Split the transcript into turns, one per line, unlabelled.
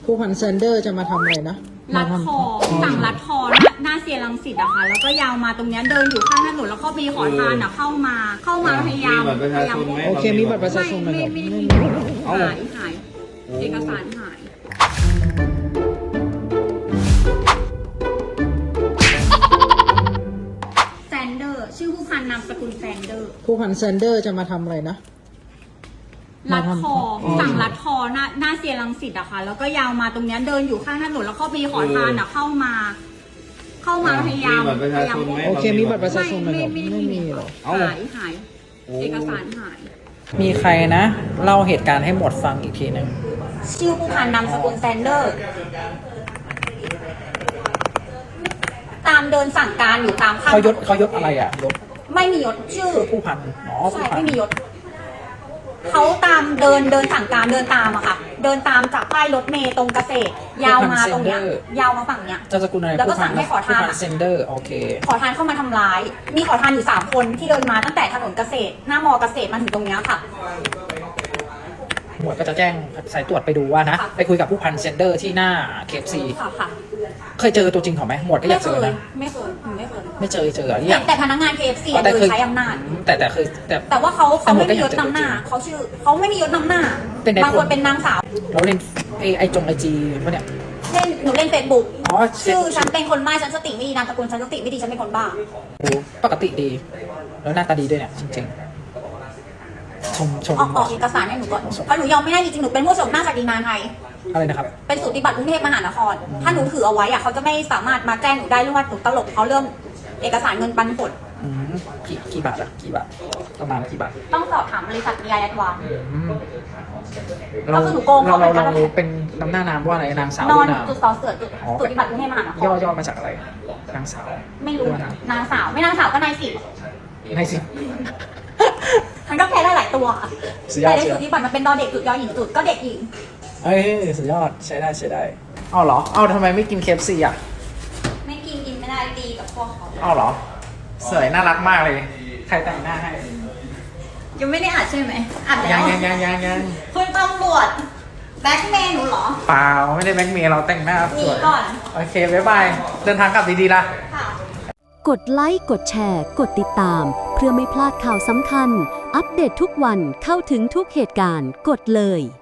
ผู้พันแซนเดอร์จะมาทำอะไรนะ
รัดคอสั่งรัดคอหน้าเซียรังสิตอะค่ะแล้วก็ยาวมาตรงเนี้ยเดินอยู่ข้างถนนแล้วก็มีขอทานอะเข้ามาพยายาม
โอเคมีบัตรประชาชนไหมครับ
ไม่มีหายเอกสารหายแซนเดอร์ชื่อผู้พันนามสกุลแซนเดอร์
ผู้พันแซนเดอร์จะมาทำอะไรนะ
รัดคอสั่งรัดคอหน้าเซียรังสิตอะค่ะแล้วก็ยาวมาตรงเนี้ยเดินอยู่ข้างถนนแล้วก็มีขอทานอะเข้ามาพยายาม
โอเคมีบัตรประชาชนไหมครับไม่มีหรอ
หายเอกสารหาย
มีใครนะเล่าเหตุการณ์ให้หมดฟังอีกทีนึง
ชื่อผู้พันนามสกุลแซนเดอร์ตามเดินสั่งการอยู่ตาม
เขายศอะไรอ่ะยศ
ไม่มียศชื่อ
ผู้พัน
ใช่ไม่มียศเขาตามเดินสั่งการเดินตามอะค่ะเดินตามจากป้ายรถเมล์ตรงเกษตรยาวมาตรงเนี้ยยาวมาฝั่งเนี้ย
จะสกุลอะไร
แล้วก็สั่งให้ขอทาน
เซนเดอร์โอเค
ขอทานเข้ามาทำร้ายมีขอทานอยู่3คนที่เดินมาตั้งแต่ถนนเกษตรหน้ามอเกษตรมาถึงตรงเนี้ยค่ะ
หมวดก็จะแจ้งสายตรวจไปดูว่านะไปคุยกับผู้พันเซนเดอร์ที่หน้าKFC
ค่ะ
เคยเจอตัวจริงเขาไหมหมวดก็อยากเจอนะ
ไม่เคย
เจอ
แต่พนักงานKFCโดยใช้อำนาจแต่ว่าเขาไม่มียศนำหน้าเขาไม่มียศนำหน้าบางคนเป็นนางสาว
เราเล่นไอจีปะเนี่ย
หนูเล่นFacebookชื่อฉันเป็นคนบ้าฉันสติไม่ดีนามสกุลฉันสติไม่ดีฉันเป็นคนบ้า
ปกติดีแล้วหน้าตาดีด้วยเนี่ยจริงชม
ออกเอกสารให้หนูก่อนเพราะหนูยอมไม่ได้จริงๆหนูเป็นผู้ชมหน้าศักดินาไทย
อะไรนะครับ
เป็นสูติบัตรกรุงเทพมหานครถ้าหนูถือเอาไว้อะเขาจะไม่สามารถมาแจ้งหนูได้เรื่องว่าหนูตลกเขาเรื่องเอกสารเงินปันผล
กี่บาทอะกี่บาทประมาณกี่บาท
ต้องสอบถามบริษัทมีอายัดวาง
เราเป็นน้ำหน้านามว่าอะไรนางสาวน
อนจุดสอเสือสูติบัตรกรุงเทพมหานคร
ย่อมาจากอะไรนางสาว
ไม่รู้นางสาวไม่นางสาวก็นายสิมันก็แพ้ได้หลายตัวแต่ในสูติบัตรมันเป็นดอเด็กจุดยอหญิงจุดก็เด็กหญิง
สุดยอดใช้ได้เอาเหรอเอาทำไมไม่กินKFCอ่ะ
ไม่กินไม่ได้ดีกับพวกเขา
เอาเหรอสวยน่ารักมากเลยใครแต่งหน้าให้
ยังไม่ได้อัดใช่ไหมอัดแล้ว
ยัง
คุณตำรวจแบ็คเมย์หนูเหรอ
เปล่าไม่ได้แบ็คเมย์เราแต่งหน้าสวย
ก่อน
โอเคบ๊ายบายเดินทางกลับดีๆล่ะ
กดไลค์กดแชร์กดติดตามเพื่อไม่พลาดข่าวสำคัญอัปเดตทุกวันเข้าถึงทุกเหตุการณ์กดเลย